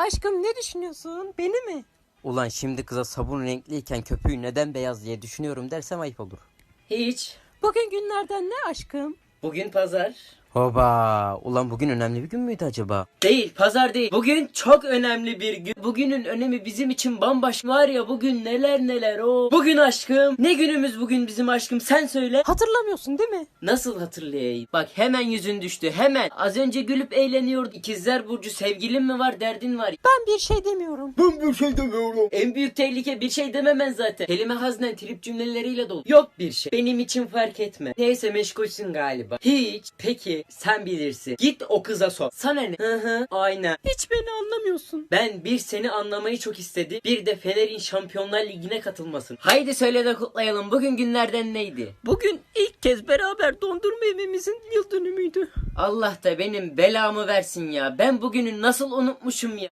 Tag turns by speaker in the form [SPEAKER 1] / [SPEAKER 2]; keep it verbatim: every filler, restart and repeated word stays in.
[SPEAKER 1] Aşkım ne düşünüyorsun? Beni mi?
[SPEAKER 2] Ulan şimdi kıza sabun renkliyken köpüğü neden beyaz diye düşünüyorum dersem ayıp olur.
[SPEAKER 3] Hiç.
[SPEAKER 1] Bugün günlerden ne aşkım?
[SPEAKER 3] Bugün pazar.
[SPEAKER 2] Hoba! Ulan bugün önemli bir gün müydü acaba?
[SPEAKER 3] Değil, pazar değil. Bugün çok önemli bir gün. Bugünün önemi bizim için bambaşka. Var ya bugün neler neler o. Bugün aşkım. Ne günümüz bugün bizim aşkım? Sen söyle.
[SPEAKER 1] Hatırlamıyorsun değil mi?
[SPEAKER 3] Nasıl hatırlayayım? Bak hemen yüzün düştü. Hemen. Az önce gülüp eğleniyordu. İkizler Burcu sevgilin mi var, derdin var.
[SPEAKER 1] Ben bir şey demiyorum.
[SPEAKER 3] Ben bir şey demiyorum. En büyük tehlike bir şey dememen zaten. Kelime haznen trip cümleleriyle dolu. Yok bir şey. Benim için fark etme. Neyse meşgulsün galiba. Hiç. Peki sen bilirsin. Git o kıza sor. Sana ne? Hı hı. Aynen.
[SPEAKER 1] Hiç beni anlamıyorsun.
[SPEAKER 3] Ben bir seni anlamayı çok istedim. Bir de Fener'in Şampiyonlar Ligi'ne katılmasın. Haydi söyle de kutlayalım. Bugün günlerden neydi?
[SPEAKER 1] Bugün ilk kez beraber dondurma yememizin yıl dönümüydü.
[SPEAKER 3] Allah da benim belamı versin ya. Ben bugünü nasıl unutmuşum ya.